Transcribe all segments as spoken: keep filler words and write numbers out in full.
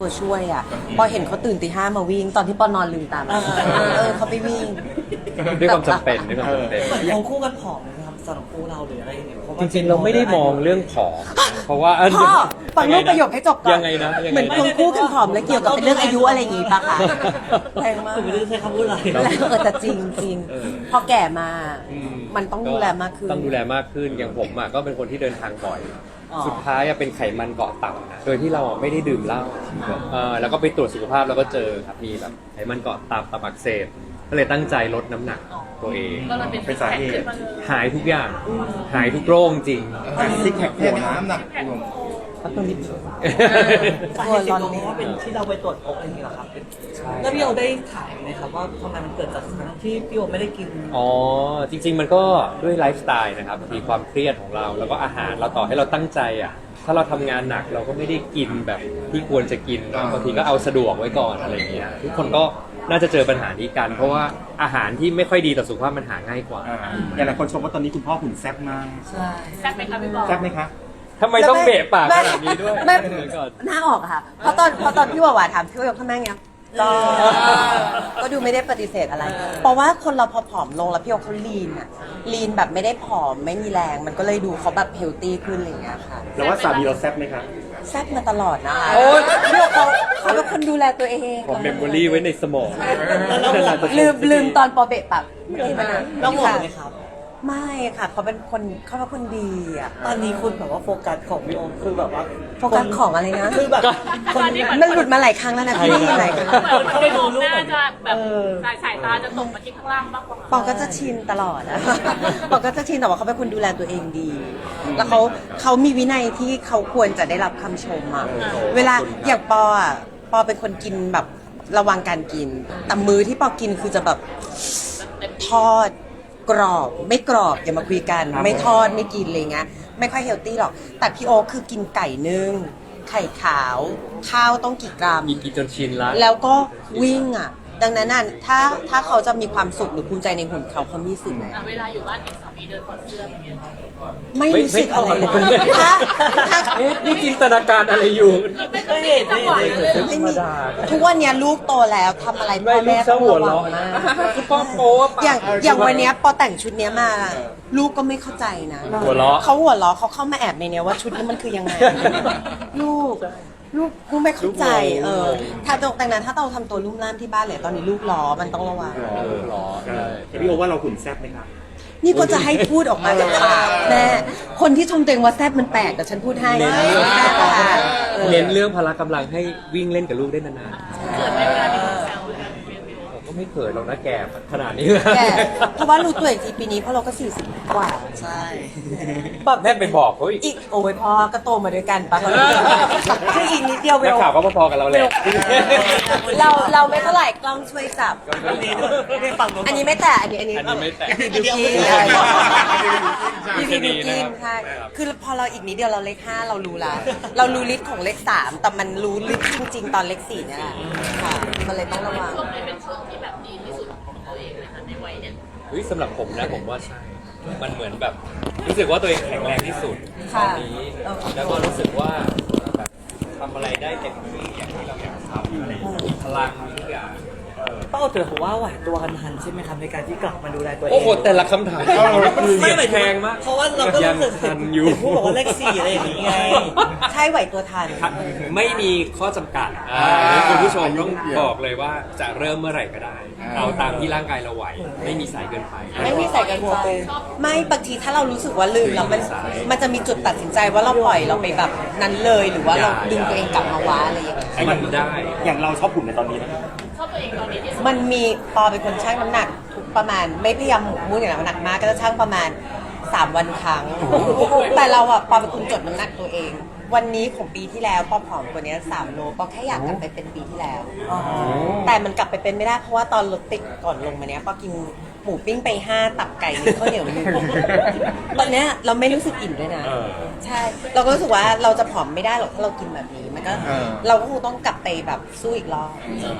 ตัวช่วยอ่ะพอเห็นเขาตื่นตีห้ามาวิ่งตอนที่ปอนอนลืมตามาเออเขาไปวิ่งด้วยความจำเป็นด้วยความจำเป็นเหมือนของคู่กันผอมนะครับสำหรับคู่เราหรืออะไรอย่างเงี้ยเพราะจว่าริงๆเราไม่ได้มองเรื่องผอมเพราะว่าเออพ่อฟังรูปประโยคให้จบก่อนยังไงนะยังเหไงมือนนะคนคู่กันผอมแล้วเกี่ยวกับเป็นเรื่องอายุอะไรอย่างงี้ปะคะแรงมากผมไม่รู้จะใช้คำพูดอะไรแล้วเออแต่จริงจริงเออพอแก่มาอืมันต้องดูแลมากขึ้นต้องดูแลมากขึ้นอย่างผมอ่ะก็เป็นคนที่เดินทางบ่อยอ๋อสุดท้ายอะเป็นไขมันเกาะตับนะโดยที่เราอะไม่ได้ดื่มเหล้าเออแล้วก็ไปตรวจสุขภาพแล้วก็เจอครับมีแบบไขมันเกาะตับตับอักเสบก็เลยตั้งใจลดน้ำหนักตัวเองก็เลยเป็นเป็นสาเหตุหายทุกอย่างหายทุกโรคจริงซิกแพคโผล่นะน้ำหนักรวมพักตรงนี้สาเหตุจริงๆเพราะว่าเป็นที่เราไปตรวจพบอะไรอย่างเงี้ยเหรอครับแล้วพี่โอได้ถามไหมครับว่าทำไมมันเกิดจากทั้งที่พี่โอไม่ได้กินอ๋อจริง ๆ มันก็ด้วยไลฟ์สไตล์นะครับมีความเครียดของเราแล้วก็อาหารเราต่อให้เราตั้งใจอ่ะถ้าเราทำงานหนักเราก็ไม่ได้กินแบบที่ควรจะกินบางทีก็เอาสะดวกไว้ก่อนอะไรอย่างเงี้ยทุกคนก็น่าจะเจอปัญหานี้กัน เพราะว่าอาหารที่ไม่ค่อยดีต่อสุขภาพมันหาง่ายกว่าอ่าอย่างหลายคนชมว่าตอนนี้คุณพ่อหุ่นแซ่บมากใช่แซ่บไหมคะพี่บอลแซ่บไหมคะทำไมต้องเบะปากขนาดนี้ด้วยไม่เดี๋ยวก่อนหน้าออกอะค่ะเพราะตอนเพราะตอนพี่ว่าหวาถามพี่ว่ายกทำไมเงี้ยก็ก็ดูไม่ได้ปฏิเสธอะไร เพราะว่าคนเราพอผอมลงแล้วพี่โอเขาลีนอะลีนแบบไม่ได้ผอมไม่มีแรง มันก็เลยดูเขาแบบเฮลตี้ขึ้นอะไรอย่างเงี้ยค่ะแล้วว่าสามีเราแซ่บไหมคะแซ่บมาตลอดนะคะโอ๊ยพี่โอเขาเขาเป็นคนดูแลตัวเองผมเมมโมรี่ไว้ในสมองลืมลืมตอนปอเบะปากที่มันนะแล้วห่วงไหมครับไม่ค่ะเขาเป็นคนเขาเป็นคนดีอะตอนนี้คุณแบบว่าโฟกัสของพี่โอคือแบบว่าโฟกัสของอะไรนะคือแบบตอนนี้เหมือนมันหลุดมาหลายครั้งแล้วนะพี่หลายครั้งเหมือนคนที่มองหน้าจะแบบสายสายตาจะตกมาที่ข้างล่างมากกว่าปอก็จะชินตลอดอะ ปอก็จะชินแต่ว่าเขาเป็นคนดูแลตัวเองดี แล้วเขาเขามีวินัยที่เขาควรจะได้รับคำชมอะเวลาอย่างปออะปอเป็นคนกินแบบระวังการกิน แต่มื้อที่ปอกินคือจะแบบทอดกรอบไม่กรอบอย่ามาคุยกัน ไม่ทอดไม่กินอะไรเงี้ยไม่ค่อยเฮลตี้หรอก แต่พี่โอคคือกินไก่นึ่งไข่ขาว ข้าวต้องกี่กรัมมีกินจนชินละแล้วก็วิ่งอ่ะ ดังนั้นน่ะถ้าถ้าเขาจะมีความสุขหรือภูมิใจในหุ่นเขาเขามีสิทธิ์ไหมอ่ะเวลาอยู่บ้านเห็นสามีเดินถอดเสื้ออย่างเงี้ยไม่รู้สึกอะไรเลยไม่ไม่ถ้าถ้าเอ๊ะนี่จินตนาการอะไรอยู่ไม่เห็นไม่เห็นเลยไม่มีทุกวันเนี้ยลูกโตแล้วทำอะไรพ่ไม่อลูแม่กต้เจ้าองหัวระวังเราะมากคือป้อมโป๊ะอย่างอย่างวันเนี้ยพอแต่งชุดเนี้ยมา ลูกก็ไม่เข้าใจนะหัวเราะเขาหัวเราะเขาเข้ามาแอบในเนี้ยว่าชุดนี้มันคือยังไง ลูกลูกลูกไม่เข้าใจ เออ ถ้าตรงดังนั้นถ้าเราทำตัวลุ่มล่ามที่บ้านเลยตอนนี้ลูกล้อมันต้องระวังเออเหรอใช่พี่โอว่าเราหุ่นแซ่บไหมคะนี่ก็จะให้พูดออกมาจากปากแม่คนที่ชมตัวเองว่าแซ่บมันแปลกแต่ฉันพูดให้เน้นเรื่องแซ่บอะค่ะเออเน้นเรื่องพละกำลังให้วิ่งเล่นกับลูกได้นานเกิดไม่เวลามีคนแซวกันๆผมก็ไม่เขินหรอกนะแก่ขนาดนี้แกเพราะว่ารู้ตัวอีกทีปีนี้เพราะเราก็สี่สิบกว่าใช่แบบแม่ไปบอกเขาอีกอีกโอ้ยพ่อก็โตมาด้วยกันปะคืออีกนิดเดียวเวนักลข่าวก็พอๆกับเราแหละเราเราไม่เท่าไหร่กล้องช่วยจับไม่ฟังน้องอันนี้ไม่แต่อันนี้อันนี้อันนี้ไม่แตะบิวกิ้นใช่พี่พีบิวกิ้นใช่คือพอเราอีกนิดเดียวเราเลขห้าเรารู้ละเรารู้ลิสต์ของเลขสามแต่มันรู้ลิสต์จริง ๆ ตอนเลขสี่เนี่ยแหละค่ะมันเลยต้องระวังช่วงนี้เป็นช่วงที่แบบดีที่สุดของตัวเองเลยค่ะในวัยเนี้ยเฮ้ยสำหรับผมนะผมว่าใช่ มันเหมือนแบบรู้สึกว่าตัวเองแข็งแรงที่สุดตอนนี้ แล้วก็รู้สึกว่าแบบทำอะไรได้เต็มที่อย่างที่เราอยากทำอะไรอย่างเงี้ยพลังมีทุกอย่างป้าโอเตอร์ผมว่าไหวตัวกันทันใช่ไหมครับในการที่กลับมาดูแลตัวเองโอ้โหแต่ละคำถามไม่หมายถึแพงมากเพราะว่าเราก็ยังรู้สึกทันอยู่พูดบอกว่าเลขสี่อะไรอย่างนี้ไงใช่ไหวตัวทันไม่มีข้อจำกัดอ่าคุณผู้ชมต้องบอกเลยว่าจะเริ่มเมื่อไหร่ก็ได้ เอาตามที่ร่างกายเราไหว ไม่มีสายเกินไปไม่มีใส่กันไปไม่บางทีถ้าเรารู้สึกว่าลืมแล้วมันใช่มันจะมีจุดตัดสินใจว่าเราปล่อยเราไปแบบนั้นเลยหรือว่าเราอย่าดึงตัวเองกลับมาวะอะไรอย่างเงี้ยให้มันได้อย่างเราชอบหุ่นในตอนนี้นะชอบตัวเองตอนนี้ที่สุดมันมีปอเป็นคนชั่งน้ำหนักทุกประมาณไม่พยายามหมกมุ่นอย่างน้ำหนักมากก็จะชั่งประมาณสามวันครั้ง แต่เราอะปอเป็นคนจดน้ำหนักตัวเอง วันนี้ของปีที่แล้วปอผอมกว่านี้สามโลปอแค่อยากกลับไปเป็นปีที่แล้ว แต่มันกลับไปเป็นไม่ได้เพราะว่าตอนรถติดก่อนลงมาเนี้ยปอกินหมูปิ้งไปห้าตับไก่หนึ่งข้าวเหนียวหนึ่งตอนเนี้ยเราไม่รู้สึกอิ่มด้วยนะเออใช่ เราก็รู้สึกว่าเราจะผอมไม่ได้หรอกถ้าเรากินแบบนี้มันก็เออเราก็คงต้องกลับไปแบบสู้อีกรอบเจอตัวเองปีที่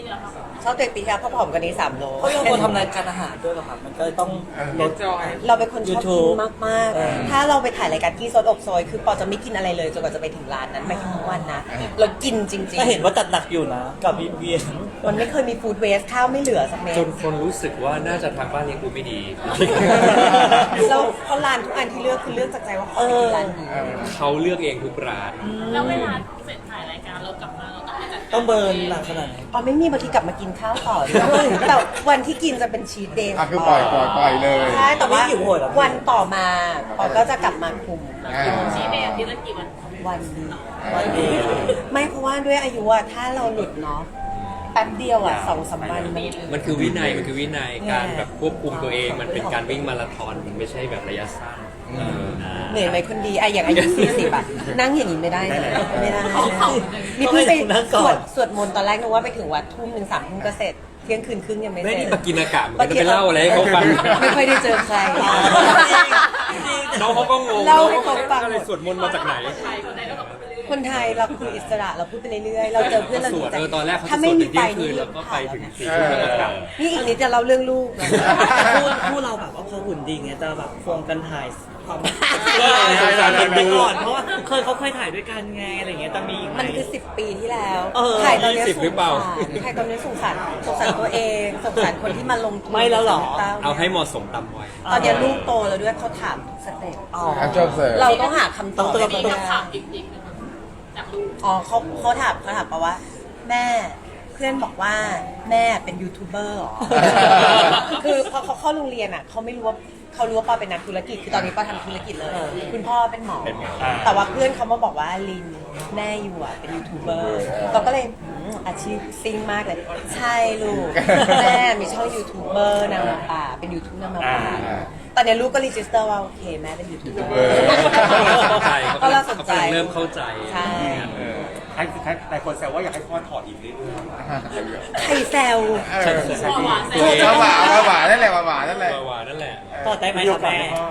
ที่แล้วครับชอบตัวเองปีที่แล้วเพราะผอมกว่านี้สามโลเพราะเราคนทำรายการอาหารด้วยเหรอครับมันก็ต้องลดเราเป็นคนชอบกิ YouTube นมากเออๆ ถ้าเราไปถ่ายรายการที่ซดอบโซยคือปอจะไม่กินอะไรเลยจนกว่าจะไปถึงร้านนั้นไปทั้งวันนะเรากินจริงก็เห็นว่าจัดหนักอยู่นะกับบีบีๆมันไม่เคยมีฟู้ดเวสข้าวไม่เหลือสักเม็ดจนคนรู้สึกว่าน่าจะทางบ้านเลี้ยงดูไม่ดีเราเพราะร้านทุกอันที่เลือกคือเลือกจากใจว่าขอกินร้านนี้เขาเลือกเองทุกร้านแล้วเวลาเสร็จถ่ายรายการเรากลับมาเราต้องไปจัดต้องเบิร์นหนักขนาดไหนปอไม่มีบางทีกลับมากินข้าวต่อด้วยแต่วันที่กินจะเป็นชีทเดย์อ่ะคือปล่อยปล่อยปล่อยเลยใช่แต่ว่าไม่หิวโหยเหรอวันต่อมาปอก็จะกลับมาคุมอ่าชี้เดย์อาทิตย์ละกี่วันวันดีวันดีไม่เพราะว่าด้วยอายุอะถ้าเราหลุดเนาะแป๊บเดียวอะสองสามวันมันมันคือวินัยมันคือวินัยแย่การแบบควบคุมตัวเองมันเป็นการวิ่งมาราธอนมันไม่ใช่แบบระยะสั้นเออเหนื่อยไหมคนดีอะอย่างอายุสี่สิบอะนั่งอย่างนี้ไม่ได้นะไม่ได้นี่เพิ่งไปสวดสวดมนต์ตอนแรกนึกว่าไปถึงวัดทุ่มหนึ่งสามทุ่มก็เสร็จเที่ยงคืนครึ่งยังไม่ไม่เสร็นี่จตะกินอากาศมันจะไปเล่าอะไรให้เขาฟังไม่ค่อยได้เจอใครน้องเขาก็งงเล่าให้เขาฟังอะไรสวดมนต์มาจากไหนใครคนไหนก็บอกไปเรื่อยคนไทยเราคืออิสระเราพูดไปเรื่อยๆ เราเจอเพื่อนเราสดีวดใจเออตอนแรกเขาจะถ้าสไม่วดมีถึงไฟเที่ยงคืนนี่แล้วก็ไปถึงผ่านสี่ทุ่มแล้วก็กลับนี่อีกนิดจะเล่าเรื่องลูกนะคู่คู่เราแบบว่าพอหุ่นดีเงี้ยจะแบบควงกันถ่ายความใช่ใช่ใช่ไปก่อนเพราะว่าเคยเขาเคยถ่ายด้วยกันไงอะไรเงี้ยจะมีอีกไหมมันคือสิบปีที่แล้วเออถ่ายตอนนี้ยี่สิบหรือเปล่าถ่ายตอนนี้สงสารสงสารตัวเองสงสารคนที่มาลงทุนไม่แล้วเหรอเอาให้เหมาะสมตามวัยตอนนี้ลูกโตแล้วด้วยเขาถามทุกสเต็ปอ๋ออ่ะจบเสร็จเราต้องหาคำตอบต้องๆให้มีได้คำถามจริงๆจากลูกอ๋อเขาเขาถามเขาถามปะว่า แม่เพื่อนบอกว่าแม่เป็นยูทูบเบอร์เหรอ คือพอเขาเข้าโรงเรียนอ่ะเขาไม่รู้ว่าเขารู้ว่าปอเป็นนักธุรกิจคือตอนนี้ปอทำธุรกิจเลย คุณพ่อเป็นหมอเป็นหมอแต่ว่าเพื่อนเขามาบอกว่าลินแม่อยู่อ่ะเป็นยูทูบเบอร์เราก็เลยอืมอาชีพซิ่งมากเลย ใช่ลูก แม่มีช่องยูทูบเบอร์นางมาป่าเป็นยูทูบนางมาป่าอ่าตอนนี้ลูกก็รีจิสเตอร์ว่าโอเคแม่เป็นยูทูบเบอร์เออเข้าใจก็เขาเราสนใจกำลังเริ่มเข้าใจใช่เออใครใครหลายคนแซวว่าอยากให้พ่อถอดอีกเรื่อยใครแซวเออพ่อหวานเสร็จตัวเองมาหวานมาหวานนั่นแหละมาหวานนั่นแหละหวานนั่นแหละต่อได้ๆไหมมีคโอรับกาสแม่ไหมพ่อ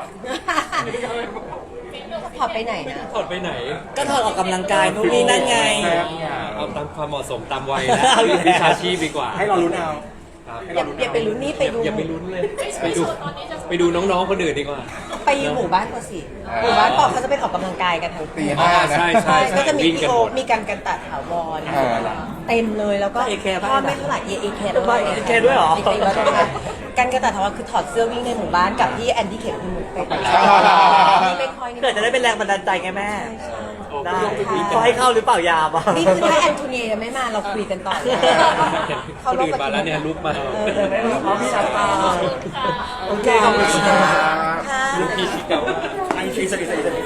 ถอดไปไหนนะถอดไปไหนก็ถอดออกกำลังกายนู่นนี่นั่นไงเอาตามความเหมาะสมตามวัยนะวิชาชีพดีกว่าให้เรารู้เอาครับอย่าอย่าไปลุ้นนี่ไปดูอย่าไปลุ้นเลย ไปดูไปดูน้องๆคนอื่นดีกว่าไปหมู่บ้านกว่าสิหมู่บ้านปอกเขาจะไปออกกำลังกายกันทั้งตีคืนห้านะใช่ใช่ใช่ก็จะมีวิ่งพี่กันโอหมดมีการกันตัดถาวรเออเต็มเลยแล้วก็เอเคบ้างพ่อไม่เท่าไหร่เอเอเคบ้าน เอเคด้วยเหรอเอเคด้วยนะคะการกันตัดถาวรคือถอดเสื้อวิ่งในหมู่บ้านกับที่แอนดี้เข็มคุณหนูไปไปนี่ไม่ค่อยนี่เกิดจะได้เป็นแรงบันดาลใจไงแม่ใช่ได้ใช่เขาให้เข้าหรือเปล่ายาบ้างนี่คือถ้าแอนโทเนียยังไม่มาเราคุยกันต่อเลยคนอื่นมาแล้วเนี่ยลุกมาเออเออไม่รู้เขาพี่ชาตาโอเคขอบคุณค่ะค่ะลูกพี่ชิเก่าไอ้ที่สกิดสกิด